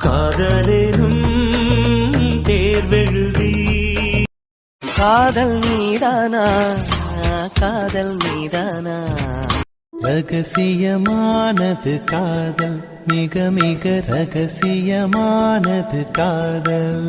காதலேனும் தேர்வெழுதி காதல் மீதானா காதல் மீதானா ரகசியமானது காதல் மிக மிக ரகசியமானது காதல்.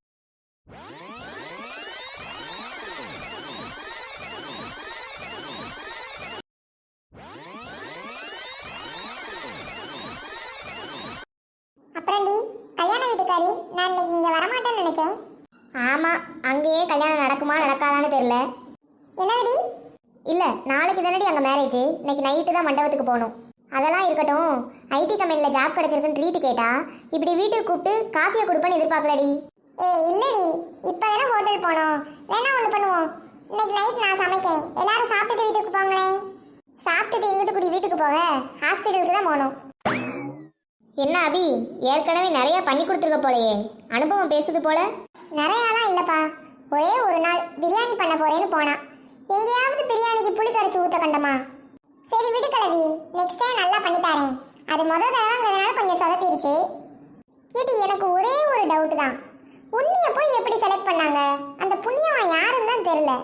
அப்புறம்டி கல்யாண வீட்டுக்காரி, நான் இன்னைக்கு இங்க வரமாட்டேன்னு நினைச்சேன். ஆமா, அங்கேயே கல்யாணம் நடக்குமா நடக்காதான்னு தெரியல. என்னதுடி? இல்ல, நாளைக்கு தானடி அங்க மேரேஜ். இன்னைக்கு நைட்டு தான் மண்டபத்துக்கு போகணும். அதெல்லாம் இருக்கட்டும், ஐடி கம்பெனில ஜாப் கிடைச்சிருக்குன்னு ட்ரீட் கேட்டா இப்படி வீட்டுக்கு கூப்பிட்டு காஃபியை கொடுப்பேன்னு எதிர்பார்க்கலடி. இல்லடி, இப்பதானே ஹோட்டல் போனோம். வேணா ஒண்ணு பண்ணுவோம், இன்னைக்கு நைட் நான் சமைக்கேன், எல்லாரும் சாப்பிட்டுட்டு வீட்டுக்கு போங்களேன். சாப்பிட்டுட்டு எங்கிட்டு கூடி வீட்டுக்கு போக? ஹாஸ்பிட்டலுக்கு தான் போகணும். என்ன அபி, ஏற்கனவே நிறைய பண்ணி கொடுத்துருக்க போலையே, அனுபவம் பேசுது போல. நிறையாலாம் இல்லப்பா, ஒரே ஒரு நாள் பிரியாணி பண்ண போறேன்னு போனா, எங்கேயாவது பிரியாணிக்கு புளி கரைச்சி ஊத்த கண்டமா. சரி விடு கிழவி, நெக்ஸ்ட் டைம் நல்லா பண்ணி தரேன். அது முதல் தடவைங்கிறதுனால கொஞ்சம் சொதப்பிருச்சு. ஏடி, எனக்கு ஒரே ஒரு டவுட் தான், உன்னைய போய் எப்படி செலக்ட் பண்ணாங்க? அந்த புண்ணியவன் யாருன்னு தான் தெரியல.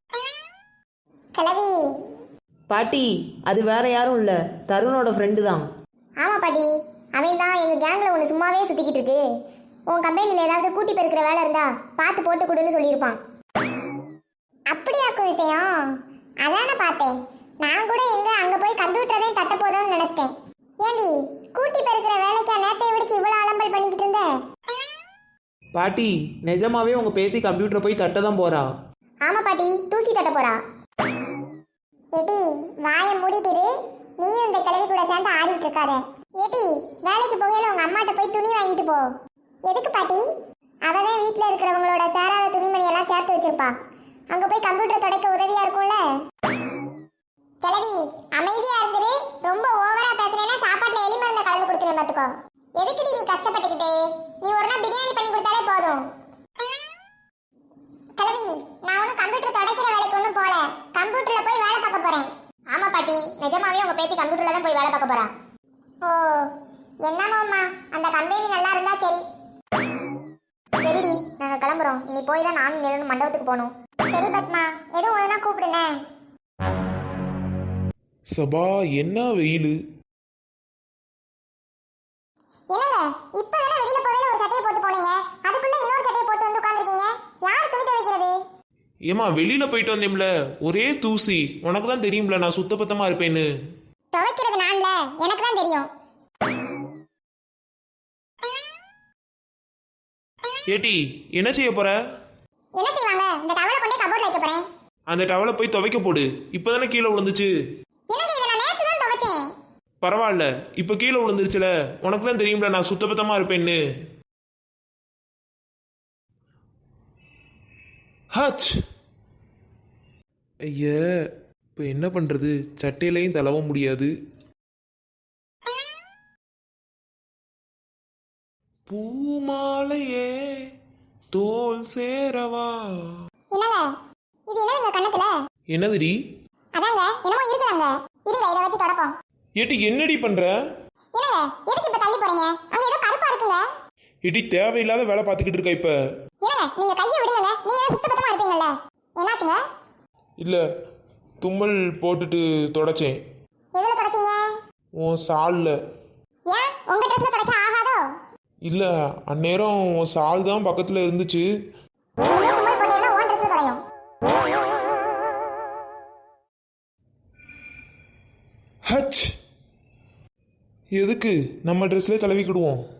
கிழவி பாட்டி, அது வேற யாரும் இல்லை, தருணோட ஃப்ரெண்டு தான். ஆமா பாட்டி, அவன் தான் எங்க கேங்ல ஒன்று சும்மாவே சுத்திக்கிட்டு இருக்கு. உன் கம்பெனியில் ஏதாவது கூட்டி பெருக்கிற வேலை இருந்தா பார்த்து போட்டு கொடுன்னு சொல்லியிருப்பான். அப்படியாக்கும் விஷயம்? அதானே பார்த்தேன். நான் கூட எங்க அங்க போய் கம்ப்யூட்டரையும் தட்ட போதும்னு நினைச்சிட்டேன். ஏண்டி, கூட்டி பெருக்கிற வேலைக்கா நேத்தை விடுச்சு இவ்வளவு அலம்பல் பண்ணிக்கிட்டு இருந்த? பாட்டி, நிஜமாவே உங்க பேத்தி கம்ப்யூட்டரை போய் தட்ட தான் போறா. ஆமா பாட்டி, தூசி தட்ட போறா. ஏடி, வாயை மூடிட்டு இரு. நீயும் இந்த கிழவி கூட சேர்ந்து ஆடிட்டு இருக்காத. ஏடி, வேலைக்கு போகையில உங்க அம்மாட்ட போய் துணி வாங்கிட்டு போ. எதுக்கு பாட்டி? அவதான் வீட்டுல இருக்கிறவங்களோட சேராத துணிமணி எல்லாம் சேர்த்து வச்சிருப்பா. அங்க போய் கம்ப்யூட்டர் துடைக்க உதவியா இருக்கும்ல. கிழவி அமைதியா இருந்துரு. ரொம்ப ஓவரா பேசுறேன்னா சாப்பாட்டுல எலி மருந்த கலந்து கொடுத்துறேன் பாத்துக்கோ. எதுக்குடி நீ கஷ்டப்பட்டுக்கிட்டு? நீ ஒரு நாள் பிரியாணி பண்ணி கொடுத்தாலே போதும். கிழவி, நான் ஒன்னும் கம்ப்யூட்டர் துடைக்கிற வேலைக்கு ஒன்றும் போல, கம்ப்யூட்டர்ல போய் வேலை பார்க்க போறேன். ஆமா பாட்டி, நிஜமாவே உங்க பேத்தி கம்ப்யூட்டர்ல தான் போய் வேலை பார்க்க போறா. ஓ, என்னமோம்மா, அந்த கம்பெனி நல்லா இருந்தா சரி. சரிடி, நாங்க கிளம்புறோம். இனி போய் தான் நானும் நிலனும் மண்டபத்துக்கு போகணும். சரி பத்மா, எதுவும் ஒழுங்கா கூப்பிடுங்க. சபா, என்ன வெயில்! என்னங்க, இப்பதானே வெளியில போவேல ஒரு சட்டையை போட்டு போனீங்க, அதுக்குள்ள இன்னொரு சட்டையை போட்டு வந்து உட்கார்ந்திருக்கீங்க. யார் துணி துவைக்கிறது? ஏமா, வெளியில போயிட்டு வந்தேம்ல, ஒரே தூசி. உனக்கு தான் தெரியும்ல நான் சுத்தபத்தமா இருப்பேன்னு. துவைக்கிறது நான்ல, எனக்கு தான் தெரியும். ஏட்டி, என்ன செய்ய போற? என்ன செய்வாங்க? இந்த டவலை கொண்டே கபோர்ட்ல வைக்க போறேன். அந்த டவலை போய் துவைக்க போடு. இப்பதானே கீழே விழுந்துச்சு. என்னங்க, இத நான் நேத்து தான் துவைச்சேன். பரவாயில்ல, இப்ப கீழே விழுந்துருச்சுல. உனக்கு தான் தெரியும்ல நான் சுத்தபத்தமா இருப்பேன்னு. ஹச்! ஐய, இப்போ என்ன பண்றது? சட்டையிலையும் தளவ முடியாது. பூமாலையே தோல் சேரவா. என்னங்க, இது என்னங்க கண்ணத்துல? என்னதுடி? அதாங்க என்னமோ இருக்குதாங்க. இருங்க, இத வச்சு தொடப்போம். ஏட்டி, என்னடி பண்ற? என்னங்க, எதுக்கு இப்ப தள்ளி போறீங்க? அங்க ஏதோ கருப்பா இருக்குங்க. ஏட்டி, தேவையில்லாத வேலை பார்த்துக்கிட்டு இருக்க இப்ப. என்னங்க, நீங்க கையை விடுங்க. நீங்க தான் சுத்தபத்தமா இருப்பீங்கல்ல. என்னாச்சுங்க? இல்ல, தும்மல் போட்டுட்டு தொடச்சேன். எதுல தொடச்சீங்க? உன் சால்ல. ஏன் உங்க ட்ரெஸ்ல தொடச்சா ஆகாதோ? இல்ல, அந்நேரம் உன் சால் தான் பக்கத்துல இருந்துச்சு. இனிமே தும்மல் போட்டீங்கன்னா உன் ட்ரெஸ்ல தொலையும். ஹச்! எதுக்கு? நம்ம ட்ரெஸ்லேயே தடவிக்கிடுவோம்.